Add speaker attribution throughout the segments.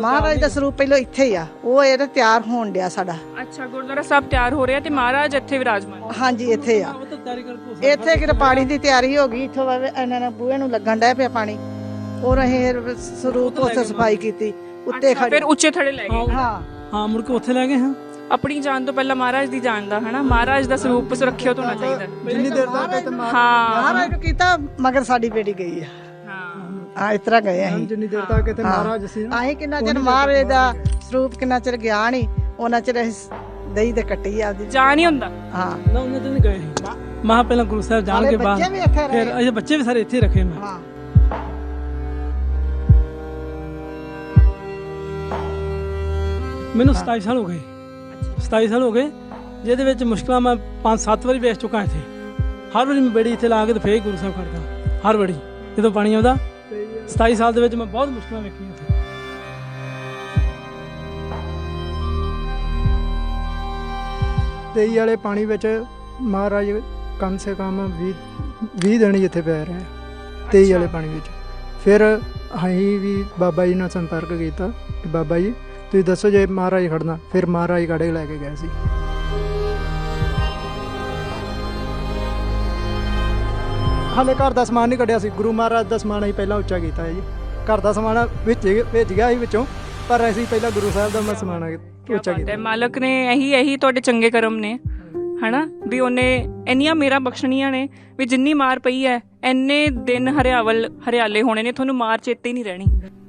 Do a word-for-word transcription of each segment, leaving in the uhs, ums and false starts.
Speaker 1: ਮਹਾਰਾਜ ਦਾ ਸਰੂਪ ਪਹਿਲਾਂ ਇੱਥੇ ਹੀ ਆ, ਉਹ ਇਹਦਾ ਤਿਆਰ ਹੋਣ ਡਿਆ ਸਾਡਾ।
Speaker 2: ਅੱਛਾ, ਗੁਰਦੁਆਰਾ ਸਾਹਿਬ ਤਿਆਰ ਹੋ ਰਿਹਾ ਤੇ ਮਹਾਰਾਜ ਇੱਥੇ ਵਿਰਾਜਮਾਨ।
Speaker 1: ਹਾਂਜੀ ਇੱਥੇ ਆ, ਇੱਥੇ ਕਿਤੇ ਪਾਣੀ ਦੀ ਤਿਆਰੀ ਹੋ ਗਈ, ਇੱਥੋਂ ਇਹਨਾਂ ਨੇ ਬੂਹੇ ਨੂੰ ਲੱਗਣ ਡਿਆ ਪਿਆ ਪਾਣੀ, ਔਰ ਅਸੀਂ ਸਰੂਪ ਉੱਥੇ ਸਫਾਈ ਕੀਤੀ, ਉੱਤੇ ਖੜੇ
Speaker 2: ਫਿਰ ਉੱਚੇ ਥੜੇ ਲੈ ਗਏ।
Speaker 1: ਹਾਂ
Speaker 3: ਹਾਂ, ਮੁੜ ਕੇ ਉੱਥੇ ਲੈ ਗਏ। ਹਾਂ,
Speaker 2: ਆਪਣੀ ਜਾਨ ਤੋਂ ਪਹਿਲਾਂ ਮਹਾਰਾਜ ਦੀ ਜਾਨ ਦਾ ਹਨਾ, ਮਹਾਰਾਜ ਦਾ ਸਰੂਪ ਸੁਰੱਖਿਅਤ ਹੋਣਾ ਚਾਹੀਦਾ।
Speaker 3: ਜਿੰਨੀ ਦੇਰ ਤੱਕ
Speaker 2: ਹਾਂ,
Speaker 1: ਮਹਾਰਾਜ ਨੂੰ ਕੀਤਾ ਮਗਰ ਸਾਡੀ ਬੇਟੀ ਗਈ ਆ। ਹਾਂ, ਇਸ ਤਰ੍ਹਾਂ ਗਏ ਅਸੀਂ,
Speaker 3: ਜਿੰਨੀ ਦੇਰ ਤੱਕ ਇੱਥੇ ਮਹਾਰਾਜ ਸੀ ਨਾ,
Speaker 1: ਅਸੀਂ ਕਿੰਨਾ ਚਿਰ ਮਹਾਰਾਜ ਦਾ ਸਰੂਪ ਕਿੰਨਾ ਚਿਰ ਗਿਆ ਨਹੀਂ, ਉਹਨਾਂ ਚਿਰ ਅਸੀਂ ਦਹੀਂ ਤੇ ਕੱਟੀ ਆਪਦੀ
Speaker 2: ਜਾਨ ਹੀ ਹੁੰਦਾ।
Speaker 1: ਹਾਂ
Speaker 3: ਨਾ ਉਹਨਾਂ ਦਿਨ ਗਏ ਮਹਾ ਪਹਿਲਾਂ ਗੁਰੂ ਸਾਹਿਬ ਜਾਣ ਕੇ ਬਾਅਦ ਫਿਰ ਅਜੇ ਬੱਚੇ ਵੀ ਸਾਰੇ ਇੱਥੇ ਰੱਖੇ ਮੈਂ।
Speaker 1: ਹਾਂ
Speaker 3: ਮੈਨੂੰ ਸਤਾਈ ਸਾਲ ਹੋ ਗਏ, ਸਤਾਈ ਸਾਲ ਹੋ ਗਏ, ਜਿਹਦੇ ਵਿੱਚ ਮੁਸ਼ਕਲਾਂ ਮੈਂ ਪੰਜ ਸੱਤ ਵਾਰੀ ਵੇਚ ਚੁੱਕਾ ਇੱਥੇ। ਹਰ ਵਾਰੀ ਮੈਂ ਬੇੜੀ ਇੱਥੇ ਲਾ ਕੇ ਤੇ ਫੇਰ ਗੁਰੂ ਸਾਹਿਬ ਕਰਦਾ, ਹਰ ਵਾਰੀ ਜਦੋਂ ਪਾਣੀ ਆਉਂਦਾ। ਸਤਾਈ ਸਾਲ ਦੇ ਵਿੱਚ ਮੈਂ ਬਹੁਤ ਮੁਸ਼ਕਲਾਂ ਵੇਖੀਆਂ ਇੱਥੇ। ਤੇਈ ਵਾਲੇ ਪਾਣੀ ਵਿੱਚ ਮਹਾਰਾਜ ਕਮ ਸੇ ਕਮ ਵੀਹ ਵੀਹ ਦਿਨ ਇੱਥੇ ਪੈ ਰਹੇ ਤੇਈ ਵਾਲੇ ਪਾਣੀ ਵਿੱਚ। ਫਿਰ ਅਸੀਂ ਵੀ ਬਾਬਾ ਜੀ ਨਾਲ ਸੰਪਰਕ ਕੀਤਾ ਕਿ ਬਾਬਾ ਜੀ ਤੁਸੀਂ ਦੱਸੋ ਜੇ ਮਹਾਰਾਜ ਖੜਨਾ, ਫਿਰ ਮਹਾਰਾਜ ਕਾੜੇ ਲੈ ਕੇ ਗਏ ਸੀ। ਹਾਲੇ ਘਰ ਦਾ ਸਮਾਨ ਨਹੀਂ ਕੱਢਿਆ ਸੀ, ਗੁਰੂ ਮਹਾਰਾਜ ਦਾ ਸਮਾਨ ਅਸੀਂ ਪਹਿਲਾਂ ਉੱਚਾ ਕੀਤਾ ਹੈ ਜੀ। ਘਰ ਦਾ ਸਮਾਨ ਵਿੱਚ ਭੇਜ ਗਿਆ ਸੀ ਵਿੱਚੋਂ, ਪਰ ਅਸੀਂ ਪਹਿਲਾਂ ਗੁਰੂ ਸਾਹਿਬ ਦਾ ਮੈਂ ਸਮਾਨ ਉੱਚਾ ਕੀਤਾ।
Speaker 2: ਮਾਲਕ ਨੇ ਇਹੀ ਇਹੀ ਤੁਹਾਡੇ ਚੰਗੇ ਕਰਮ ਨੇ ਹਨਾ, ਵੀ ਉਹਨੇ ਇੰਨੀਆਂ ਮੇਰਾ ਬਖਸ਼ਣੀਆਂ ਨੇ ਵੀ ਜਿੰਨੀ ਮਾਰ ਪਈ ਹੈ ਇੰਨੇ ਦਿਨ ਹਰਿਆਵਲ ਹਰਿਆਲੇ ਹੋਣੇ ਨੇ, ਤੁਹਾਨੂੰ ਮਾਰ ਚੇਤੇ ਹੀ ਨਹੀਂ ਰਹਿਣੀ।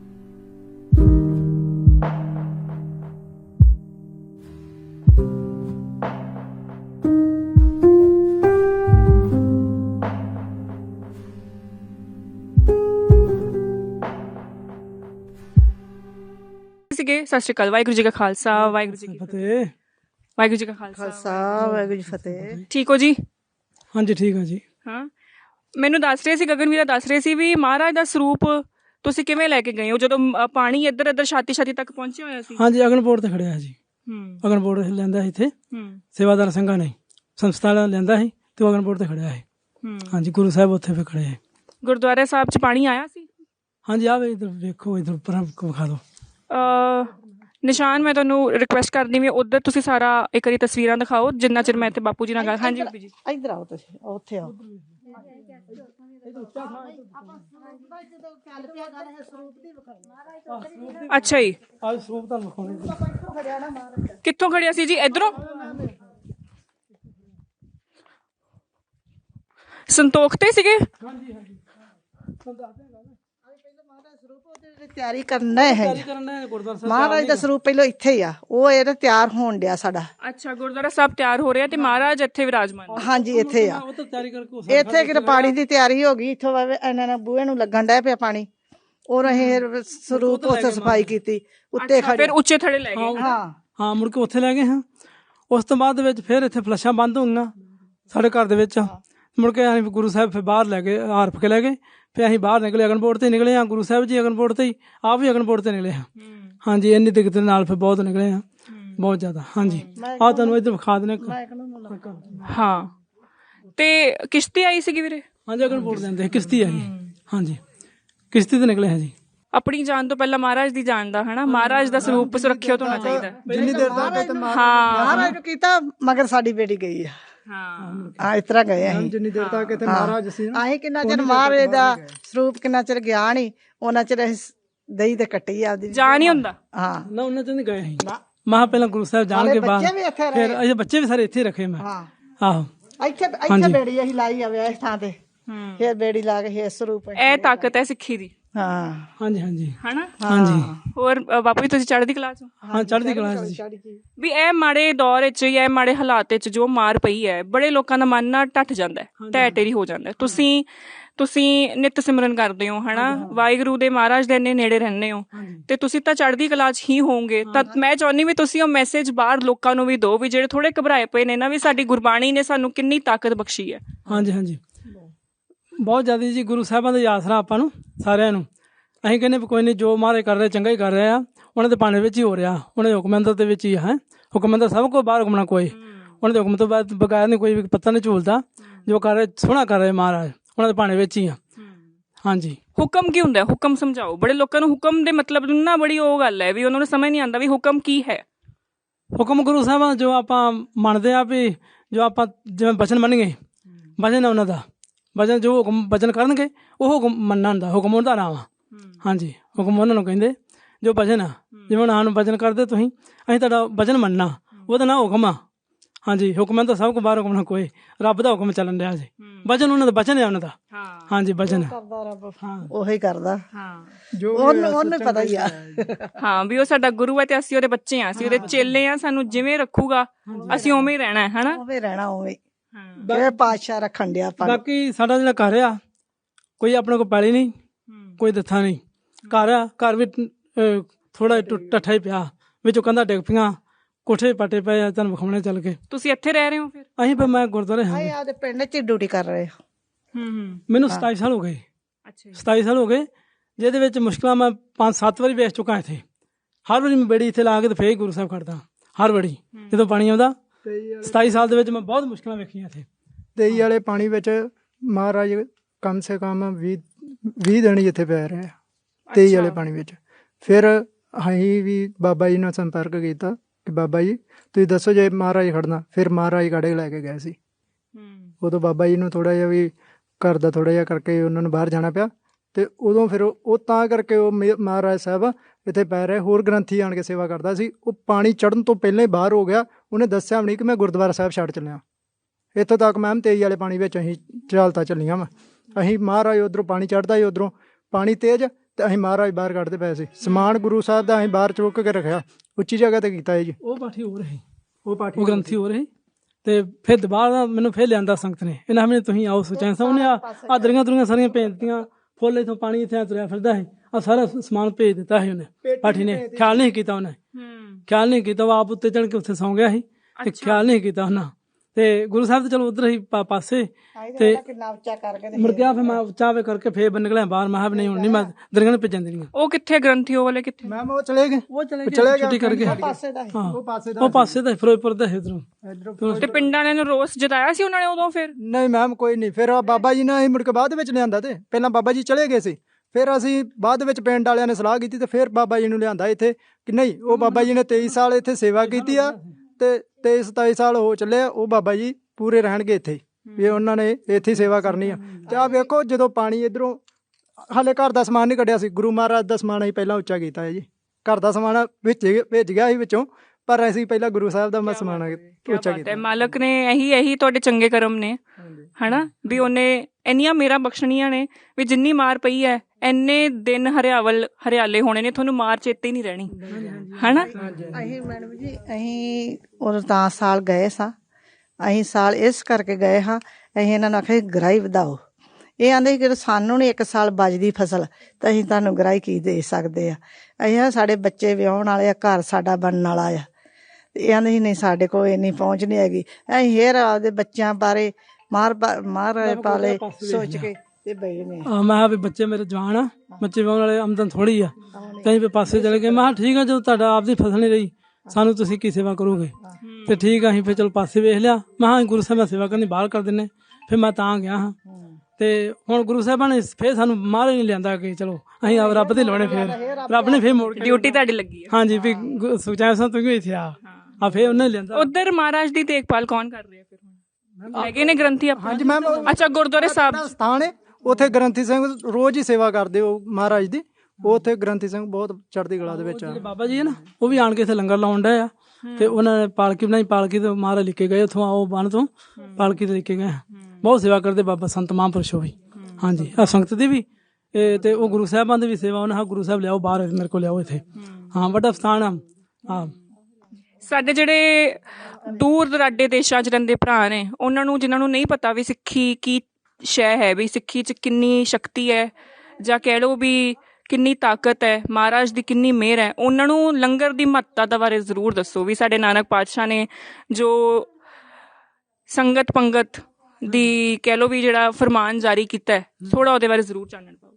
Speaker 2: ਸੀਗੇ ਸਤਿ ਸ਼੍ਰੀ ਅਕਾਲ, ਵਾਹਿਗੁਰੂ ਜੀ ਕਾ ਖਾਲਸਾ ਵਾਹਿਗੁਰੂ ਜੀ ਕੀ ਫਤਿਹ। ਵਾਹਿਗੁਰੂ ਜੀ ਕਾ
Speaker 1: ਖਾਲਸਾ ਵਾਹਿਗੁਰੂ ਜੀ ਫਤਿਹ।
Speaker 2: ਠੀਕ ਹੋ ਜੀ?
Speaker 3: ਹਾਂਜੀ ਠੀਕ ਆ ਜੀ।
Speaker 2: ਹਾਂ, ਮੈਨੂੰ ਦੱਸ ਰਹੇ ਸੀ ਗਗਨ ਵੀਰਾ, ਦੱਸ ਰਹੇ ਸੀ ਵੀ ਮਹਾਰਾਜ ਦਾ ਸਰੂਪ ਤੁਸੀਂ ਕਿਵੇਂ ਲੈ ਕੇ ਗਏ ਹੋ ਜਦੋਂ ਪਾਣੀ ਇੱਧਰ ਇੱਧਰ ਛਾਤੀ ਛਾਤੀ ਤੱਕ ਪਹੁੰਚਿਆ ਹੋਇਆ ਸੀ?
Speaker 3: ਹਾਂਜੀ, ਅਗਨਪੁਰ ਤੇ ਖੜਿਆ ਜੀ।
Speaker 2: ਹੂੰ,
Speaker 3: ਅਗਨਪੁਰ ਲੈਂਦਾ ਸੀ ਇੱਥੇ
Speaker 2: ਹੂੰ,
Speaker 3: ਸੇਵਾਦਾਰ ਸਿੰਘਾਂ ਨੇ ਸੰਸਥਾ ਵਾਲਾ ਲੈਂਦਾ ਸੀ ਤੇ ਉਹ ਅਗਨਪੁਰ ਤੇ ਖੜਿਆ ਹੈ।
Speaker 2: ਹੂੰ,
Speaker 3: ਹਾਂਜੀ, ਗੁਰੂ ਸਾਹਿਬ ਉੱਥੇ ਫਿਰ ਖੜੇ ਹੈ।
Speaker 2: ਗੁਰਦੁਆਰਾ ਸਾਹਿਬ ਚ ਪਾਣੀ ਆਇਆ ਸੀ?
Speaker 3: ਹਾਂਜੀ, ਆ ਵੇ ਇਧਰ ਵੇਖੋ, ਇਧਰ ਉੱਪਰ ਵਿਖਾ ਦਿਓ।
Speaker 2: ਨਿਸ਼ਾਨ ਮੈਂ ਤੁਹਾਨੂੰ ਰਿਕੁਐਸਟ ਕਰਦੀ ਵੀ ਉੱਧਰ ਤੁਸੀਂ ਸਾਰਾ ਇੱਕ ਵਾਰੀ ਤਸਵੀਰਾਂ ਦਿਖਾਓ ਜਿੰਨਾ ਚਿਰ ਮੈਂ ਤੇ ਬਾਪੂ ਜੀ ਨਾਲ ਗੱਲ। ਹਾਂਜੀ ਬਾਬੂ ਜੀ
Speaker 1: ਇੱਧਰ ਆਓ, ਤੁਸੀਂ ਉੱਥੇ ਆਓ।
Speaker 2: ਅੱਛਾ ਜੀ,
Speaker 3: ਅੱਜ ਸਰੂਪ ਤੁਹਾਨੂੰ ਵਿਖਾਉਣੇ।
Speaker 2: ਕਿੱਥੋਂ ਖੜਿਆ ਸੀ ਜੀ? ਇੱਧਰੋਂ ਸੰਤੋਖ ਤੇ ਸੀਗੇ?
Speaker 3: ਹਾਂਜੀ ਹਾਂਜੀ,
Speaker 1: ਤਿਆਰੀ ਕਰਨਾ ਹੈ,
Speaker 3: ਗੁਰਦੁਆਰਾ
Speaker 1: ਮਹਾਰਾਜ ਦਾ ਸਰੂਪ ਪਹਿਲਾਂ ਇੱਥੇ ਹੀ ਆ, ਉਹ ਇਹਦਾ ਤਿਆਰ ਹੋਣ ਡਿਆ ਸਾਡਾ।
Speaker 2: ਅੱਛਾ, ਗੁਰਦੁਆਰਾ ਸਾਹਿਬ ਤਿਆਰ ਹੋ ਰਿਹਾ ਤੇ ਮਹਾਰਾਜ ਇੱਥੇ ਵਿਰਾਜਮਾਨ।
Speaker 1: ਹਾਂਜੀ ਇੱਥੇ ਆ, ਇੱਥੇ ਕਿਤੇ ਪਾਣੀ ਦੀ ਤਿਆਰੀ ਹੋ ਗਈ, ਇੱਥੋਂ ਇਹਨਾਂ ਨੇ ਬੂਹੇ ਨੂੰ ਲੱਗਣ ਡਿਆ ਪਿਆ ਪਾਣੀ, ਔਰ ਅਸੀਂ ਸਰੂਪ ਉੱਥੇ ਸਫਾਈ ਕੀਤੀ, ਉੱਤੇ ਖੜੇ
Speaker 2: ਫਿਰ ਉੱਚੇ ਥੜੇ ਲੈ ਗਏ।
Speaker 1: ਹਾਂ
Speaker 3: ਹਾਂ, ਮੁੜ ਕੇ ਉੱਥੇ ਲੈ ਗਏ। ਹਾਂ, ਉਸ ਤੋਂ ਬਾਅਦ ਵਿੱਚ ਫਿਰ ਇੱਥੇ ਫਲਸ਼ਾਂ ਬੰਦ ਹੋਈਆਂ ਸਾਡੇ ਘਰ ਦੇ ਵਿੱਚ। ਮੁੜ ਕੇ ਅਸੀਂ ਗੁਰੂ ਸਾਹਿਬ ਫਿਰ ਬਾਹਰ ਲੈ ਗਏ, ਹਾਰਫ ਕੇ ਲੈ ਗਏ। ਫਿਰ ਅਸੀਂ ਬਾਹਰ ਨਿਕਲੇ, ਅਗਨਪੁਰ ਤੇ ਨਿਕਲੇ ਹਾਂ। ਗੁਰੂ ਸਾਹਿਬ ਜੀ ਅਗਨਪੁਰ ਤੇ ਹੀ, ਆਪ ਵੀ ਅਗਨਪੁਰ ਤੇ ਨਿਕਲੇ ਹਾਂ। ਹਾਂਜੀ, ਇੰਨੀ ਦਿੱਕਤ ਨਾਲ ਫਿਰ ਬਹੁਤ ਨਿਕਲੇ ਹਾਂ, ਬਹੁਤ ਜ਼ਿਆਦਾ। ਹਾਂਜੀ, ਆਹ ਤੁਹਾਨੂੰ ਇੱਧਰ ਵਿਖਾ ਦੇਣੇ।
Speaker 2: ਹਾਂ, ਤੇ ਕਿਸ਼ਤੀ ਆਈ ਸੀਗੀ ਵੀਰੇ?
Speaker 3: ਹਾਂਜੀ, ਅਗਨਪੁਰ ਦੇ ਕਿਸ਼ਤੀ ਆਈ। ਹਾਂਜੀ, ਕਿਸ਼ਤੀ ਤੇ ਨਿਕਲੇ ਹਾਂ ਜੀ।
Speaker 2: ਆਪਣੀ ਜਾਨ ਤੋਂ ਪਹਿਲਾਂ ਮਹਾਰਾਜ ਦੀ ਜਾਨ ਦਾ ਹਨਾ, ਮਹਾਰਾਜ ਦਾ ਸਰੂਪ ਸੁਰੱਖਿਅਤ ਹੋਣਾ ਚਾਹੀਦਾ।
Speaker 3: ਜਿੰਨੀ ਦੇਰ ਤੱਕ
Speaker 2: ਹਾਂ,
Speaker 1: ਮਹਾਰਾਜ ਨੂੰ ਕੀਤਾ ਮਗਰ ਸਾਡੀ ਬੇਟੀ ਗਈ ਆ।
Speaker 2: ਹਾਂ,
Speaker 1: ਹਾਂ, ਇਸ ਤਰ੍ਹਾਂ ਗਏ ਅਸੀਂ,
Speaker 3: ਜਿੰਨੀ ਦੇਰ ਤੱਕ ਇੱਥੇ ਮਹਾਰਾਜ ਸੀ ਨਾ,
Speaker 1: ਅਸੀਂ ਕਿੰਨਾ ਚਿਰ ਮਹਾਰਾਜ ਦਾ ਸਰੂਪ ਕਿੰਨਾ ਚਿਰ ਗਿਆ ਨਹੀਂ, ਉਹਨਾਂ ਚਿਰ ਅਸੀਂ ਦਹੀਂ ਤੇ ਕੱਟੀ ਆਪਦੀ।
Speaker 2: ਜਾਨ ਹੀ ਹੁੰਦਾ।
Speaker 1: ਹਾਂ,
Speaker 3: ਨਾ ਉਹਨਾਂ ਚ ਨਹੀਂ ਗਏ ਅਸੀਂ। ਮਹਾ ਪਹਿਲਾਂ ਗੁਰੂ ਸਾਹਿਬ ਜਾਣ ਕੇ ਬਾਅਦ ਫਿਰ ਅਜੇ ਬੱਚੇ ਵੀ ਸਾਰੇ ਇੱਥੇ ਰੱਖੇ ਮੈਂ।
Speaker 1: ਹਾਂ,
Speaker 3: ਆਹੋ,
Speaker 1: ਇੱਥੇ ਇੱਥੇ ਬੇੜੀ ਅਸੀਂ ਲਾਈ ਆਵੇ ਇਸ ਥਾਂ ਤੇ, ਫਿਰ ਬੇੜੀ ਲਾ ਕੇ ਇਹ ਸਰੂਪ।
Speaker 2: ਇਹ ਤਾਕਤ ਹੈ ਸਿੱਖੀ ਦੀ।
Speaker 1: ਹਾਂ,
Speaker 3: ਹਾਂਜੀ ਹਾਂਜੀ
Speaker 2: ਹਨਾ।
Speaker 3: ਹਾਂਜੀ,
Speaker 2: ਹੋਰ ਬਾਪੂ ਜੀ ਤੁਸੀਂ ਚੜ੍ਹਦੀ ਕਲਾ ਚ?
Speaker 3: ਹਾਂ, ਚੜ੍ਹਦੀ ਕਲਾ ਚ।
Speaker 2: ਵੀ ਇਹ ਮਾੜੇ ਦੌਰ ਵਿੱਚ ਜਾਂ ਇਹ ਮਾੜੇ ਹਾਲਾਤ ਵਿੱਚ ਜੋ ਮਾਰ ਪਈ ਹੈ, ਬੜੇ ਲੋਕਾਂ ਦਾ ਮਨ ਨਾ ਢੱਠ ਜਾਂਦਾ ਹੈ, ਢਹਿ ਢੇਰੀ ਹੋ ਜਾਂਦਾ। ਤੁਸੀਂ ਤੁਸੀਂ ਨਿਤ ਸਿਮਰਨ ਕਰਦੇ ਹੋ ਹਨਾ, ਵਾਹਿਗੁਰੂ ਦੇ ਮਹਾਰਾਜ ਦੇ ਇੰਨੇ ਨੇੜੇ ਰਹਿੰਦੇ ਹੋ, ਤੇ ਤੁਸੀਂ ਤਾਂ ਚੜ੍ਹਦੀ ਕਲਾ ਚ ਹੀ ਹੋਵੋਗੇ। ਤਾਂ ਮੈਂ ਚਾਹੁੰਦੀ ਵੀ ਤੁਸੀਂ ਉਹ ਮੈਸੇਜ ਬਾਹਰ ਲੋਕਾਂ ਨੂੰ ਵੀ ਦਿਓ, ਵੀ ਜਿਹੜੇ ਥੋੜੇ ਘਬਰਾਏ ਪਏ ਨੇ ਨਾ, ਵੀ ਸਾਡੀ ਗੁਰਬਾਣੀ ਨੇ ਸਾਨੂੰ ਕਿੰਨੀ ਤਾਕਤ ਬਖਸ਼ੀ ਹੈ।
Speaker 3: ਹਾਂਜੀ ਹਾਂਜੀ, ਬਹੁਤ ਜ਼ਿਆਦਾ ਜੀ। ਗੁਰੂ ਸਾਹਿਬਾਂ ਦਾ ਆਸਰਾ ਆਪਾਂ ਨੂੰ ਸਾਰਿਆਂ ਨੂੰ। ਅਸੀਂ ਕਹਿੰਦੇ ਵੀ ਕੋਈ ਨਹੀਂ, ਜੋ ਮਹਾਰਾਜ ਕਰ ਰਹੇ ਚੰਗਾ ਹੀ ਕਰ ਰਹੇ ਆ, ਉਹਨਾਂ ਦੇ ਪਾਣੇ ਵਿੱਚ ਹੀ ਹੋ ਰਿਹਾ, ਉਹਨਾਂ ਦੇ ਹੁਕਮੰਦਰ ਦੇ ਵਿੱਚ ਹੀ ਹੈ। ਹੁਕਮੰਦਰ ਸਭ ਕੋ ਬਾਹਰ ਹੁਕਮਣਾ ਕੋਈ, ਉਹਨਾਂ ਦੇ ਹੁਕਮ ਤੋਂ ਬਾਅਦ ਬਗੈਰ ਨਹੀਂ ਕੋਈ ਵੀ ਪੱਤਾ ਨਹੀਂ ਝੂਲਦਾ। ਜੋ ਕਰ ਰਹੇ ਸੋਹਣਾ ਕਰ ਰਹੇ ਮਹਾਰਾਜ, ਉਹਨਾਂ ਦੇ ਪਾਣੇ ਵਿੱਚ ਹੀ ਆ। ਹਾਂਜੀ।
Speaker 2: ਹੁਕਮ ਕੀ ਹੁੰਦਾ? ਹੁਕਮ ਸਮਝਾਓ। ਬੜੇ ਲੋਕਾਂ ਨੂੰ ਹੁਕਮ ਦੇ ਮਤਲਬ ਨਾ ਬੜੀ ਉਹ ਗੱਲ ਹੈ ਵੀ ਉਹਨਾਂ ਨੂੰ ਸਮਝ ਨਹੀਂ ਆਉਂਦਾ ਵੀ ਹੁਕਮ ਕੀ ਹੈ।
Speaker 3: ਹੁਕਮ ਗੁਰੂ ਸਾਹਿਬਾਂ ਜੋ ਆਪਾਂ ਮੰਨਦੇ ਆ ਵੀ ਜੋ ਆਪਾਂ ਜਿਵੇਂ ਬਚਨ ਮੰਨੀਏ, ਵਚਨ ਹੈ ਉਹਨਾਂ ਦਾ, ਵਚਨ ਜੋ ਹੁਕਮ ਵਚਨ ਕਰਨਗੇ ਉਹ ਹੁਕਮ ਮੰਨਣ ਦਾ, ਹੁਕਮ ਉਹਦਾ ਨਾਮ ਆ। ਹਾਂਜੀ, ਹੁਕਮ ਉਹਨਾਂ ਨੂੰ ਕਹਿੰਦੇ ਜੋ ਵਚਨ ਆ। ਜਿਵੇਂ ਹੁਣ ਸਾਨੂੰ ਵਚਨ ਕਰਦੇ ਤੁਸੀਂ, ਅਸੀਂ ਤੁਹਾਡਾ ਵਚਨ ਮੰਨਣਾ, ਉਹਦਾ ਨਾਂ ਹੁਕਮ ਆ। ਹਾਂਜੀ, ਹੁਕਮਾਂ ਤਾਂ ਸਭ ਕੋ ਬਾਹਰ ਹੁਕਮ ਨਾ ਕੋਈ, ਰੱਬ ਦਾ ਹੁਕਮ ਚੱਲਣ ਡਿਆ ਜੀ। ਵਚਨ ਉਹਨਾਂ ਦਾ, ਵਚਨ ਹੈ ਉਹਨਾਂ ਦਾ। ਹਾਂਜੀ, ਵਚਨ
Speaker 1: ਉਹੀ ਕਰਦਾ,
Speaker 3: ਜੋ
Speaker 1: ਉਹਨੂੰ ਪਤਾ ਹੀ ਆ।
Speaker 2: ਹਾਂ, ਵੀ ਉਹ ਸਾਡਾ ਗੁਰੂ ਹੈ ਤੇ ਅਸੀਂ ਉਹਦੇ ਬੱਚੇ ਆ, ਅਸੀਂ ਉਹਦੇ ਚੇਲੇ ਆ। ਸਾਨੂੰ ਜਿਵੇਂ ਰੱਖੂਗਾ ਅਸੀਂ ਉਵੇਂ ਹੀ ਰਹਿਣਾ ਹੈ ਹਨਾ,
Speaker 1: ਉਵੇਂ ਰਹਿਣਾ, ਉਵੇਂ ਜਿਵੇਂ ਪਾਤਸ਼ਾਹ ਰੱਖਣ ਡਿਆ ਆਪਾਂ।
Speaker 3: ਬਾਕੀ ਸਾਡਾ ਜਿਹੜਾ ਘਰ ਆ, ਕੋਈ ਆਪਣੇ ਕੋਲ ਪੈਲੀ ਨਹੀਂ, ਕੋਈ ਦਿੱਥਾ ਨਹੀਂ। ਘਰ ਆ, ਘਰ ਵੀ ਥੋੜਾ ਟੱਠਾ ਹੀ ਪਿਆ, ਵਿੱਚੋਂ ਕੰਧਾਂ ਡਿੱਗ ਪਈਆਂ, ਕੋਠੇ ਪਾਟੇ ਪਏ ਆ, ਤੁਹਾਨੂੰ ਵਿਖਾਉਣੇ ਚੱਲ ਕੇ।
Speaker 2: ਤੁਸੀਂ ਇੱਥੇ ਰਹਿ ਰਹੇ ਹੋ ਫਿਰ?
Speaker 3: ਅਸੀਂ ਫਿਰ ਮੈਂ ਗੁਰਦੁਆਰੇ ਹਾਂ।
Speaker 1: ਅਸੀਂ ਆਪਦੇ ਪਿੰਡ 'ਚ ਡਿਊਟੀ ਕਰ ਰਹੇ ਹਾਂ।
Speaker 3: ਮੈਨੂੰ ਸਤਾਈ ਸਾਲ ਹੋ ਗਏ।
Speaker 2: ਅੱਛਾ,
Speaker 3: ਸਤਾਈ ਸਾਲ ਹੋ ਗਏ, ਜਿਹਦੇ ਵਿੱਚ ਮੁਸ਼ਕਿਲਾਂ ਮੈਂ ਪੰਜ ਸੱਤ ਵਾਰੀ ਵੇਚ ਚੁੱਕਾ ਇੱਥੇ। ਹਰ ਵਾਰੀ ਮੈਂ ਬੇੜੀ ਇੱਥੇ ਲਾ ਕੇ ਤੇ ਫੇਰ ਗੁਰੂ ਸਾਹਿਬ ਖੜਦਾ, ਹਰ ਵਾਰੀ ਜਦੋਂ ਪਾਣੀ ਆਉਂਦਾ। ਸਤਾਈ ਸਾਲ ਦੇ ਵਿੱਚ ਮੈਂ ਬਹੁਤ ਮੁਸ਼ਕਿਲਾਂ ਵੇਖੀਆਂ ਇੱਥੇ।
Speaker 4: ਤੇਈ ਵਾਲੇ ਪਾਣੀ ਵਿੱਚ ਮਹਾਰਾਜ ਕਮ ਸੇ ਕਮ ਵੀਹ ਵੀਹ ਦਿਨ ਹੀ ਇੱਥੇ ਪੈ ਰਹੇ ਆ, ਤੇਈ ਵਾਲੇ ਪਾਣੀ ਵਿੱਚ। ਫਿਰ ਅਸੀਂ ਵੀ ਬਾਬਾ ਜੀ ਨਾਲ ਸੰਪਰਕ ਕੀਤਾ ਕਿ ਬਾਬਾ ਜੀ ਤੁਸੀਂ ਦੱਸੋ ਜੇ ਮਹਾਰਾਜ ਖੜਨਾ। ਫਿਰ ਮਹਾਰਾਜ ਕੱਢ ਕੇ ਲੈ ਕੇ ਗਏ ਸੀ। ਉਦੋਂ ਬਾਬਾ ਜੀ ਨੂੰ ਥੋੜ੍ਹਾ ਜਿਹਾ ਵੀ ਘਰ ਦਾ ਥੋੜ੍ਹਾ ਜਿਹਾ ਕਰਕੇ ਉਹਨਾਂ ਨੂੰ ਬਾਹਰ ਜਾਣਾ ਪਿਆ, ਅਤੇ ਉਦੋਂ ਫਿਰ ਉਹ ਤਾਂ ਕਰਕੇ ਉਹ ਮਹਾਰਾਜ ਸਾਹਿਬ ਇੱਥੇ ਪੈ ਰਹੇ। ਹੋਰ ਗ੍ਰੰਥੀ ਆਣ ਕੇ ਸੇਵਾ ਕਰਦਾ ਸੀ, ਉਹ ਪਾਣੀ ਚੜ੍ਹਨ ਤੋਂ ਪਹਿਲਾਂ ਹੀ ਬਾਹਰ ਹੋ ਗਿਆ। ਉਹਨੇ ਦੱਸਿਆ ਵੀ ਨਹੀਂ ਕਿ ਮੈਂ ਗੁਰਦੁਆਰਾ ਸਾਹਿਬ ਛੱਡ ਚੱਲਿਆ। ਇੱਥੋਂ ਤੱਕ ਮੈਮ ਤੇਈ ਵਾਲੇ ਪਾਣੀ ਵਿੱਚ ਅਸੀਂ ਚਾਲਤਾ ਚੱਲੀਆਂ ਵਾ। ਅਸੀਂ ਮਹਾਰਾਜ ਉੱਧਰੋਂ ਪਾਣੀ ਚੜ੍ਹਦਾ ਸੀ, ਉੱਧਰੋਂ ਪਾਣੀ ਤੇਜ਼, ਅਤੇ ਅਸੀਂ ਮਹਾਰਾਜ ਬਾਹਰ ਕੱਢਦੇ ਪਏ ਸੀ। ਸਮਾਨ ਗੁਰੂ ਸਾਹਿਬ ਦਾ ਅਸੀਂ ਬਾਹਰ ਚੁੱਕ ਕੇ ਰੱਖਿਆ, ਉੱਚੀ ਜਗ੍ਹਾ 'ਤੇ ਕੀਤਾ ਜੀ।
Speaker 3: ਉਹ ਪਾਠੀ ਹੋ ਰਹੇ, ਉਹ ਪਾਠੀ ਉਹ ਗ੍ਰੰਥੀ ਹੋ ਰਹੇ। ਅਤੇ ਫਿਰ ਦੁਬਾਰਾ ਮੈਨੂੰ ਫਿਰ ਲਿਆਂਦਾ ਸੰਗਤ ਨੇ, ਇਹਨਾਂ ਨੇ ਤੁਸੀਂ ਆਓ ਸੁਚੈਨ ਸਾਹਿਬ ਨੇ ਆ ਆ ਦਰੀਆਂ ਦੁਰੀਆਂ ਸਾਰੀਆਂ ਭੇਜ ਦਿੱਤੀਆਂ। ਫੁੱਲ ਇੱਥੋਂ ਪਾਣੀ ਇੱਥੇ ਤੁਰਿਆ ਫਿਰਦਾ ਹੈ, ਆ ਸਾਰਾ ਸਮਾਨ ਭੇਜ ਦਿੱਤਾ ਸੀ ਉਹਨੇ। ਪਾਠੀ ਨੇ ਖਿਆਲ ਨਹੀਂ ਕੀਤਾ, ਉਹਨੇ ਖਿਆਲ ਨਹੀਂ ਕੀਤਾ। ਉਹ ਆਪ ਉੱਤੇ ਚੜ੍ਹ ਕੇ ਉੱਥੇ ਸੌਂ ਗਿਆ ਸੀ ਤੇ ਖਿਆਲ ਨਹੀਂ ਕੀਤਾ ਉਹਨਾਂ। ਤੇ ਗੁਰੂ ਸਾਹਿਬ ਤੇ ਚਲੋ ਉਧਰ ਹੀ ਪਾਸੇ, ਤੇ ਮੁੜ ਗਿਆ। ਫਿਰ ਮੈਂ ਉੱਚਾ ਵੇ ਕਰਕੇ ਫੇਰ ਨਿਕਲਿਆ ਬਾਹਰ। ਮੈਂ ਨਹੀਂ ਹੁਣ ਨਹੀਂ ਮੈਂ ਦਰੀਆਂ ਨੂੰ ਭੇਜਣ ਦੇਣੀਆਂ।
Speaker 2: ਉਹ ਕਿੱਥੇ ਗ੍ਰੰਥੀ ਉਹ ਵਾਲੇ ਕਿੱਥੇ?
Speaker 4: ਮੈਮ ਉਹ ਚਲੇ ਗਏ,
Speaker 3: ਉਹ ਚਲੇ ਗਏ ਛੁੱਟੀ ਕਰਕੇ। ਹਾਂ, ਉਹ ਪਾਸੇ ਦਾ ਫਿਰੋਜ਼ਪੁਰ ਦਾ ਹੈ ਇੱਧਰੋਂ।
Speaker 2: ਤੇ ਪਿੰਡਾਂ ਵਾਲਿਆਂ ਨੂੰ ਰੋਸ ਜਤਾਇਆ ਸੀ ਉਹਨਾਂ ਨੇ ਉਦੋਂ? ਫਿਰ
Speaker 4: ਨਹੀਂ ਮੈਮ ਕੋਈ ਨਹੀਂ। ਫਿਰ ਬਾਬਾ ਜੀ ਨੇ ਅਸੀਂ ਮੁੜ ਕੇ ਬਾਅਦ ਵਿੱਚ ਲਿਆਂਦਾ। ਤੇ ਪਹਿਲਾਂ ਬਾਬਾ ਜੀ ਚਲੇ ਗਏ ਸੀ, ਫਿਰ ਅਸੀਂ ਬਾਅਦ ਵਿੱਚ ਪਿੰਡ ਵਾਲਿਆਂ ਨੇ ਸਲਾਹ ਕੀਤੀ ਤੇ ਫਿਰ ਬਾਬਾ ਜੀ ਨੂੰ ਲਿਆਂਦਾ ਇੱਥੇ। ਕਿ ਨਹੀਂ, ਉਹ ਬਾਬਾ ਜੀ ਨੇ ਤੇਈ ਸਾਲ ਇੱਥੇ ਸੇਵਾ ਕੀਤੀ ਆ, ਤੇ ਤੇਈ ਸਤਾਈ ਸਾਲ ਹੋ ਚੱਲੇ ਆ। ਉਹ ਬਾਬਾ ਜੀ ਪੂਰੇ ਰਹਿਣਗੇ ਇੱਥੇ, ਵੀ ਉਹਨਾਂ ਨੇ ਇੱਥੇ ਸੇਵਾ ਕਰਨੀ ਆ। ਤੇ ਆਹ ਵੇਖੋ, ਜਦੋਂ ਪਾਣੀ ਇੱਧਰੋਂ ਹਾਲੇ ਘਰ ਦਾ ਸਮਾਨ ਨਹੀਂ ਕੱਢਿਆ ਸੀ, ਗੁਰੂ ਮਹਾਰਾਜ ਦਾ ਸਮਾਨ ਅਸੀਂ ਪਹਿਲਾਂ ਉੱਚਾ ਕੀਤਾ ਹੈ ਜੀ। ਘਰ ਦਾ ਸਮਾਨ ਵਿੱਚ ਭੇਜ ਗਿਆ ਸੀ ਵਿੱਚੋਂ, ਪਰ ਅਸੀਂ ਪਹਿਲਾਂ ਗੁਰੂ ਸਾਹਿਬ ਦਾ ਸਮਾਨ ਉੱਚਾ ਕੀਤਾ।
Speaker 2: ਮਾਲਕ ਨੇ ਇਹੀ ਇਹੀ ਤੁਹਾਡੇ ਚੰਗੇ ਕਰਮ ਨੇ ਹਨਾ, ਵੀ ਉਹਨੇ ਇੰਨੀਆਂ ਮੇਰਾ ਬਖਸ਼ਣੀਆਂ ਨੇ ਵੀ ਜਿੰਨੀ ਮਾਰ ਪਈ ਹੈ ਇੰਨੇ ਦਿਨ ਹਰਿਆਵਲ ਹਰਿਆਲੇ ਹੋਣੇ ਨੇ, ਤੁਹਾਨੂੰ ਮਾਰ ਚੇਤੇ ਹੀ ਨਹੀਂ ਰਹਿਣੀ ਹਨਾ।
Speaker 1: ਅਸੀਂ ਮੈਡਮ ਜੀ ਅਸੀਂ ਉਦੋਂ ਤਾਂ ਸਾਲ ਗਏ ਸਾਂ। ਅਸੀਂ ਸਾਲ ਇਸ ਕਰਕੇ ਗਏ ਹਾਂ, ਅਸੀਂ ਇਹਨਾਂ ਨੂੰ ਆਖਿਆ ਗਰਾਈ ਵਧਾਓ। ਇਹ ਆਂਦੇ ਕਿ ਸਾਨੂੰ ਨਹੀਂ ਇੱਕ ਸਾਲ ਬਚਦੀ ਫਸਲ, ਤਾਂ ਅਸੀਂ ਤੁਹਾਨੂੰ ਗਰਾਈ ਕੀ ਦੇ ਸਕਦੇ ਆ। ਅਸੀਂ ਸਾਡੇ ਬੱਚੇ ਵਿਆਹੁਣ ਵਾਲੇ ਆ, ਘਰ ਸਾਡਾ ਬਣਨ ਵਾਲਾ ਆ। ਇਹ ਆਂਦੇ ਸੀ ਨਹੀਂ ਸਾਡੇ ਕੋਲ ਇੰਨੀ ਪਹੁੰਚ ਨਹੀਂ ਹੈਗੀ। ਅਸੀਂ ਫੇਰ ਆਪਦੇ ਬੱਚਿਆਂ ਬਾਰੇ ਮਾਰ ਮਾਰ ਪਾਲੇ ਸੋਚ ਕੇ ਤੇ ਬਈ ਨੇ
Speaker 3: ਮੈਂ ਕਿਹਾ ਵੀ ਬੱਚੇ ਮੇਰੇ ਜਵਾਨ ਆ, ਬੱਚੇ ਵਿਆਹੁਣ ਵਾਲੇ, ਆਮਦਨ ਥੋੜ੍ਹੀ ਆ, ਕहीं ਵੀ ਪਾਸੇ ਚਲੇ ਗਏ। ਮੈਂ ਕਿਹਾ ਠੀਕ ਆ, ਜਦੋਂ ਤੁਹਾਡਾ ਆਪਦੀ ਫਸਲ ਨਹੀਂ ਰਹੀ, ਸਾਨੂੰ ਤੁਸੀਂ ਕੀ ਸੇਵਾ ਕਰੋਗੇ? ਤੇ ਠੀਕ ਆ, ਅਸੀਂ ਫਿਰ ਚਲੋ ਪਾਸੇ ਵੇਖ ਲਿਆ। ਮੈਂ ਕਿਹਾ ਗੁਰੂ ਸਾਹਿਬ ਸੇਵਾ ਕਰਨੀ ਬਾਹਰ ਕਰ ਦਿੰਦੇ। ਫਿਰ ਮੈਂ ਤਾਂ ਗਿਆ ਹਾਂ। ਤੇ ਹੁਣ ਗੁਰੂ ਸਾਹਿਬਾਂ ਨੇ ਫਿਰ ਸਾਨੂੰ ਮਾਰ ਨਹੀਂ ਲਿਆਂਦਾ ਕਿ ਚਲੋ ਅਸੀਂ ਆਪ ਰੱਬ ਦੇ ਲਾਉਣੇ। ਫਿਰ ਰੱਬ ਨੇ ਫਿਰ ਮੋੜ ਕੇ
Speaker 2: ਡਿਊਟੀ ਤੁਹਾਡੀ ਲੱਗੀ ਹੈ।
Speaker 3: ਹਾਂਜੀ, ਵੀ ਸੁਖਚੈਨ ਸਾਹਿਬ ਤੂੰ ਇੱਥੇ ਆ ਆ ਫਿਰ ਉਹਨੇ ਲਿਆਂਦਾ।
Speaker 2: ਉਧਰ ਮਹਾਰਾਜ ਦੀ ਦੇਖਭਾਲ ਕੌਣ ਕਰ ਰਿਹਾ? ਫਿਰ ਹੁਣ ਹੈਗੇ ਨੇ ਗ੍ਰੰਥੀ ਆਪਣੇ?
Speaker 4: ਹਾਂਜੀ ਮੈਮ।
Speaker 2: ਅੱਛਾ, ਗੁਰਦੁਆਰੇ ਸਾਹਿਬ
Speaker 4: ਸਥਾਨ ਹੈ ਉੱਥੇ ਗ੍ਰੰਥੀ ਸਿੰਘ ਰੋਜ਼ ਹੀ ਸੇਵਾ ਕਰਦੇ ਹੋ ਮਹਾਰਾਜ ਦੀ। ਉਹ ਉੱਥੇ ਗ੍ਰੰਥੀ ਸਿੰਘ ਬਹੁਤ ਚੜ੍ਹਦੀ ਕਲਾ ਦੇ ਵਿੱਚ ਆ।
Speaker 3: ਬਾਬਾ ਜੀ ਹੈ ਨਾ, ਉਹ ਵੀ ਆਣ ਕੇ ਇੱਥੇ ਲੰਗਰ ਲਾਉਣ ਡਏ ਆ। ਤੇ ਉਹਨਾਂ ਨੇ ਪਾਲਕੀ ਬਣਾਈ, ਪਾਲਕੀ ਤੇ ਮਹਾਰਾਜ ਲਿਖ ਕੇ ਗਏ ਉੱਥੋਂ, ਆਓ ਬੰਨ ਤੋਂ ਪਾਲਕੀ ਤੇ ਲਿਖ ਕੇ ਗਏ। ਬਹੁਤ ਸੇਵਾ ਕਰਦੇ ਬਾਬਾ ਸੰਤ ਮਹਾਂਪੁਰਸ਼ ਵੀ। ਹਾਂਜੀ, ਆ ਸੰਗਤ ਦੀ ਵੀ ਤੇ ਉਹ ਗੁਰੂ ਸਾਹਿਬਾਂ ਦੀ ਵੀ ਸੇਵਾ। ਉਹਨਾਂ ਗੁਰੂ ਸਾਹਿਬ ਲਿਆਓ ਬਾਹਰ, ਮੇਰੇ ਕੋਲ ਲਿਆਓ ਇੱਥੇ। ਹਾਂ, ਵੱਡਾ ਸਥਾਨ ਆ। ਹਾਂ,
Speaker 2: ਸਾਡੇ ਜਿਹੜੇ ਦੂਰ ਦਰਾਡੇ ਦੇਸ਼ਾਂ 'ਚ ਰਹਿੰਦੇ ਭਰਾ ਨੇ, ਉਹਨਾਂ ਨੂੰ ਜਿਨ੍ਹਾਂ ਨੂੰ ਨਹੀਂ ਪਤਾ ਵੀ ਸਿੱਖੀ ਕੀ ਸ਼ੈ ਹੈ, ਵੀ ਸਿੱਖੀ 'ਚ ਕਿੰਨੀ ਸ਼ਕਤੀ ਹੈ, ਜਾਂ ਕਹਿ ਲਓ ਵੀ ਕਿੰਨੀ ਤਾਕਤ ਹੈ, ਮਹਾਰਾਜ ਦੀ ਕਿੰਨੀ ਮਿਹਰ ਹੈ, ਉਹਨਾਂ ਨੂੰ ਲੰਗਰ ਦੀ ਮਹੱਤਤਾ ਦੇ ਬਾਰੇ ਜ਼ਰੂਰ ਦੱਸੋ। ਵੀ ਸਾਡੇ ਨਾਨਕ ਪਾਤਸ਼ਾਹ ਨੇ ਜੋ ਸੰਗਤ ਪੰਗਤ ਦੀ ਕਹਿ ਲਓ ਵੀ ਜਿਹੜਾ ਫਰਮਾਨ ਜਾਰੀ ਕੀਤਾ ਹੈ, ਥੋੜਾ ਉਹਦੇ ਬਾਰੇ ਜ਼ਰੂਰ ਜਾਣਨ ਪਾਓ।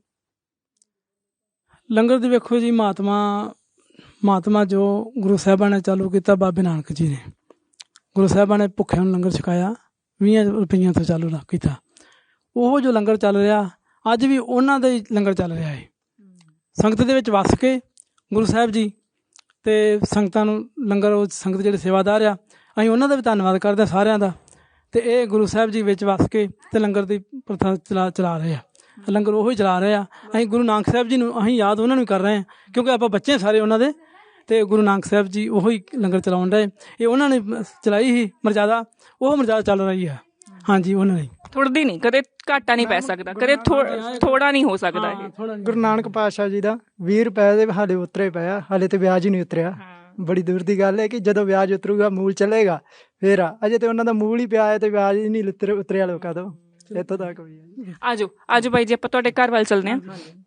Speaker 3: ਲੰਗਰ ਦੀ ਵੇਖੋ ਜੀ, ਮਹਾਤਮਾ ਮਹਾਤਮਾ ਜੋ ਗੁਰੂ ਸਾਹਿਬਾਂ ਨੇ ਚਾਲੂ ਕੀਤਾ, ਬਾਬੇ ਨਾਨਕ ਜੀ ਨੇ ਗੁਰੂ ਸਾਹਿਬਾਂ ਨੇ ਭੁੱਖਿਆਂ ਨੂੰ ਲੰਗਰ ਛਕਾਇਆ, ਵੀਹਾਂ ਰੁਪਈਆਂ ਤੋਂ ਚਾਲੂ ਕੀਤਾ। ਉਹ ਜੋ ਲੰਗਰ ਚੱਲ ਰਿਹਾ ਅੱਜ ਵੀ ਉਹਨਾਂ ਦਾ ਹੀ ਲੰਗਰ ਚੱਲ ਰਿਹਾ ਹੈ। ਸੰਗਤ ਦੇ ਵਿੱਚ ਵਸ ਕੇ ਗੁਰੂ ਸਾਹਿਬ ਜੀ ਤੇ ਸੰਗਤਾਂ ਨੂੰ ਲੰਗਰ, ਉਹ ਸੰਗਤ ਜਿਹੜੇ ਸੇਵਾਦਾਰ ਆ, ਅਸੀਂ ਉਹਨਾਂ ਦਾ ਵੀ ਧੰਨਵਾਦ ਕਰਦੇ ਹਾਂ ਸਾਰਿਆਂ ਦਾ। ਤੇ ਇਹ ਗੁਰੂ ਸਾਹਿਬ ਜੀ ਵਿੱਚ ਵਸ ਕੇ ਤੇ ਲੰਗਰ ਦੀ ਪ੍ਰਥਾ ਚਲਾ ਚਲਾ ਰਹੇ ਆ, ਲੰਗਰ ਉਹੀ ਚਲਾ ਰਹੇ ਆ। ਅਸੀਂ ਗੁਰੂ ਨਾਨਕ ਸਾਹਿਬ ਜੀ ਨੂੰ ਅਸੀਂ ਯਾਦ ਉਹਨਾਂ ਨੂੰ ਕਰ ਰਹੇ ਹਾਂ, ਕਿਉਂਕਿ ਆਪਾਂ ਬੱਚੇ ਸਾਰੇ ਉਹਨਾਂ ਦੇ। ਤੇ ਗੁਰੂ ਨਾਨਕ ਸਾਹਿਬ ਜੀ ਉਹੀ ਲੰਗਰ ਚਲਾਉਣ ਰਹੇ, ਇਹ ਉਹਨਾਂ ਨੇ ਚਲਾਈ ਸੀ ਮਰਜ਼ਾਦਾ, ਉਹ ਮਰਜ਼ਾਦਾ ਚੱਲ ਰਹੀ ਹੈ। ਹਾਂਜੀ, ਉਹਨਾਂ ਨੇ
Speaker 2: ਥੁੜਦੀ ਨਹੀਂ, ਕਦੇ ਘਾਟਾ ਨਹੀਂ ਪੈ ਸਕਦਾ, ਕਦੇ ਥੋੜਾ ਨਹੀਂ ਹੋ ਸਕਦਾ ਇਹ।
Speaker 4: ਗੁਰੂ ਨਾਨਕ ਪਾਤਸ਼ਾਹ ਜੀ ਦਾ ਵੀਹ ਰੁਪਏ ਦੇ ਹਾਲੇ ਉਤਰੇ ਪਿਆ, ਹਾਲੇ ਤੇ ਵਿਆਜ ਹੀ ਨਹੀਂ ਉਤਰਿਆ। ਬੜੀ ਦੂਰ ਦੀ ਗੱਲ ਹੈ ਕਿ ਜਦੋਂ ਵਿਆਜ ਉਤਰੂਗਾ, ਮੂਲ ਚੱਲੇਗਾ ਫੇਰ ਆ। ਅਜੇ ਤੇ ਉਹਨਾਂ ਦਾ ਮੂਲ ਹੀ ਪਿਆ ਹੈ ਤੇ ਵਿਆਜ ਹੀ ਨਹੀਂ ਉਤਰਿਆ ਲੋਕਾਂ ਤੋਂ। ਇੱਥੋਂ ਤੱਕ ਵੀ
Speaker 2: ਆਜੋ ਆਜੋ ਬਾਈ ਜੀ, ਆਪਾਂ ਤੁਹਾਡੇ ਘਰ ਵੱਲ ਚੱਲਦੇ ਹਾਂ।